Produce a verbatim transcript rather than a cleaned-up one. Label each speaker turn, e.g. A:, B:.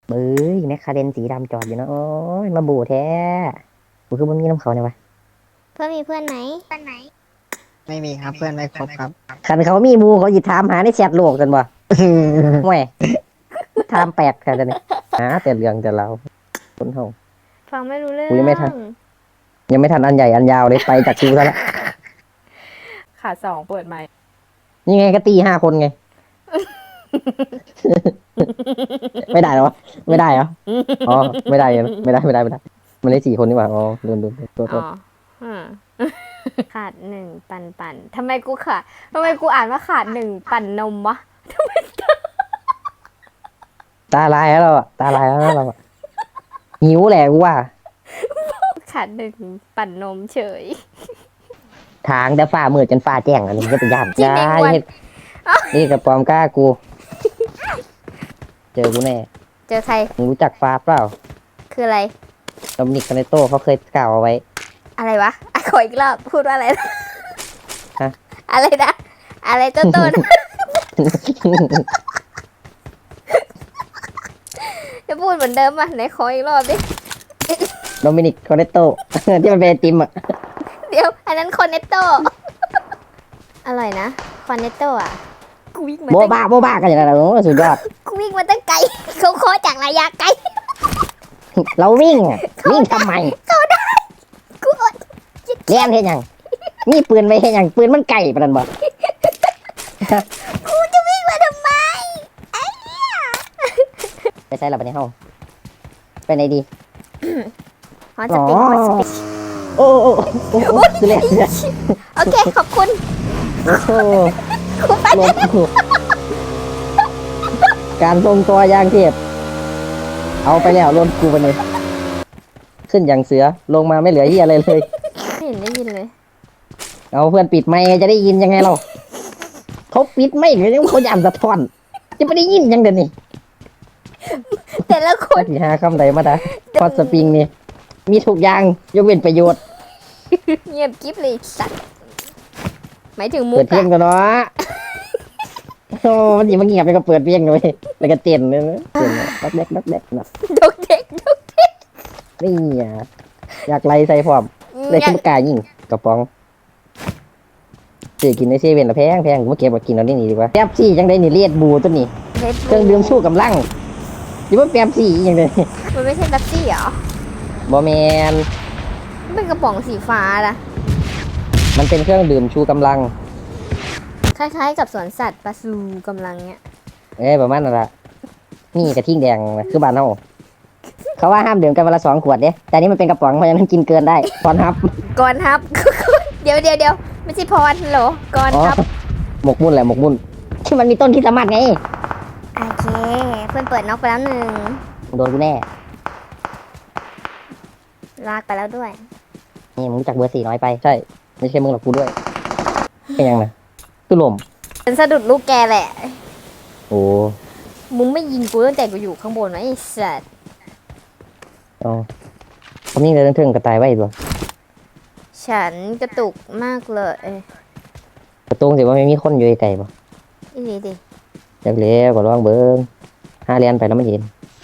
A: เบ้ยแมคคาเรนสีดำจอดอยู่นะโอ้ยมาบูแท้กูคือมันมีน้ำเขาเนี่ยวะ
B: เพื่อนมีเพื่อนไหม
C: ไม่มีครับเพื่อนไม่ครบครับ
A: คันเขามีหมูเขาหยิบถามหาในแชทโลกกันบ่ห่วยถามแปลกแค่นี้หาแต่เรื่องแต่เราคนเฮา
B: ฟังไม่รู้เรื่อง
A: กูยังไม่ทัน ยังไม่ทันอันใหญ่อันยาวเลยไปจากกูซะละ
D: ขาสองเปิดใหม่
A: นี่ไงก็ตีห้าคนไง ไม่ได้เหรอไม่ได้เหรออ๋อไม่ได้เหรอไม่ได้ไม่ได้ไม่ได้มันได้สี่คนนี่หว่าอ๋อลืมลืมลืมตัวตั
B: อ๋
A: ว
B: ออืมขาดหนึ่งปันปันทำไมกูขาดทำไมกูอ่านว่าขาดหนึ่งปั่นนมวะ
A: ตาลายแล้วเราอะตาลายแล้วเราอะหิวแหละกูว่า
B: ขาดหนึ่งปั่นนมเฉย
A: ทางแต่ฝ่ามืดจนฝ่าแจ้งอันนี้ก็เป็นยาม
B: จริงดิ
A: ยาย
B: วัน
A: เฮ็ดนี่กับปลอมกล้ากู เจอกูแน่
B: เจอใคร
A: มึงรู้จักฟ้าเปล่า
B: คืออะไร
A: โดมินิกคาเนโต้เขาเคยกล่าวเอาไว้
B: อะไรวะอ่ะขออีกรอบพูดว่าอะไรนะ
A: ฮะ
B: อะไรนะอะไรต้นต้น จะพูดเหมือนเดิมอ่ะไหนขออีกรอบดิ
A: โดมินิกคาเนโต้ ที่มันเป็นไอติมอ่ะ
B: เดี๋ยว อันนั้นคอนเนตโต อร่อยนะคอนเนตโตอ่ะกูวิ่งมา
A: โบ
B: ตั้ง
A: บ้าโบบ้ากันอย่างนั้นโอ้สุดยอด
B: กูวิ่งมาตั้งไกล เขาขอจากระยะไกล
A: เราวิ่งอะวิ่งทำไม
B: กูอด
A: เลี้ยนเห็นยังนี่ปืนไว้เห็นยังปืนมันไก่ปะนันบอก
B: กูจะวิ่งมาทำไมไอ้เหี้ย
A: ไปใช้เราไปในห้องไปไหนดี
B: ฮอตสปิกฮอตสปิก
A: โอ้โอ้โอ้โอ้คือเรียก
B: โอเค ขอบคุณ
A: โอ้โห
B: กูไป
A: ลงกูการทรงตัวอยางเทียบเอาไปแล้วลนกูไปเลยขึ้นอย่างเสือลงมาไม่เหลือเหี้ยอะไรเลย
B: ไม่เห็นได้ยินเลย
A: เอาเพื่อนปิดไมค์จะได้ยินยังไงเราเขาปิดไม่เลยเขาย่านสะท้อนจะไม่ได้ยินยังเดี๋ยวนี้
B: แต่ละคน
A: ที่หาคำใดมาได้พอดสปริงนี่มีทุกอย่างยกเว้นประโยชน์
B: เงียบกิ๊บเลยสัตว์หมายถึงมุ
A: เปิ
B: ก
A: ดเพลง
B: อะ
A: กันเนาะโอ้มันสิมาเงียบไปก็เปิดเพลงเลยแล้วก็เต้นเลยนะเต้นดักแดกดักแดกนะ
B: ดกเด็กดกเด็ก
A: นี่อ่ะอยากไล่ใส่พร้อมเลยขึ้นกายยิงกระป๋องเจ๊กินในเซเว่นละแพงแพงกูมาเก็บมากินเอาได้นี่ดีกว่าแป๊บซี่จังได้นี่เลียดบูตัวนี้
B: เล็ด
A: เครื่องดื่มชูกำลังอยู่ว่าแป๊บซี่อย่างเดียว
B: มันไม่ใช่แป๊บซี่เหรอ
A: บอแมน
B: มันเป็นกระป๋องสีฟ้าละ
A: มันเป็นเครื่องดื่มชูกำลัง
B: คล้ายๆกับสวนสัตว์ปลาซูกำลังเนี้ย
A: เอ้ยประมาณนั่นละนี่กระทิงแดงนะคือบ้านเฮาเขาว่าห้ามดื่มกันวันละสองขวดเด้แต่อันนี่มันเป็นกระป๋องเพราะฉะนั้นกินเกินได้ตอนฮับ
B: ก่อนครับ เดี๋ยวเดี๋ยวเดี๋ยวไม่ใช่พรเหรอก่อน
A: อ๋อ
B: ครับ
A: หมกมุ่นแหละหมกมุ่นที่มันมีต้นที่สามารถไง
B: โอเค เพื่อนเปิดน็อกไปแล้วหนึ่ง
A: โดนกูแน่
B: ลากไปแล้วด้วย
A: นี่มึงรู้จักเบอร์สี่น้อยไปใช่ไม่ใช่มึงหรอกกูด้วยเป็นยังไงคือลม
B: เป็นสะดุดลูกแกแหละ
A: โอ้
B: มึงไม่ยิงกูตั้งแต่กูอยู่ข้างบนวะไอ้สัตว์
A: อ๋อคำนี้เลยเรื่องกระต่ายไว้ด้วย
B: ฉันกระตุกมากเลยเอ้ย
A: กระตุ้งสิว่าไม่มีคนอยู่ไกลๆป่ะ
B: อีนี่ดิ
A: อยากเลี้ยวก็ลองเบิ้งห้าเรียนไปแล้วไม่เห็น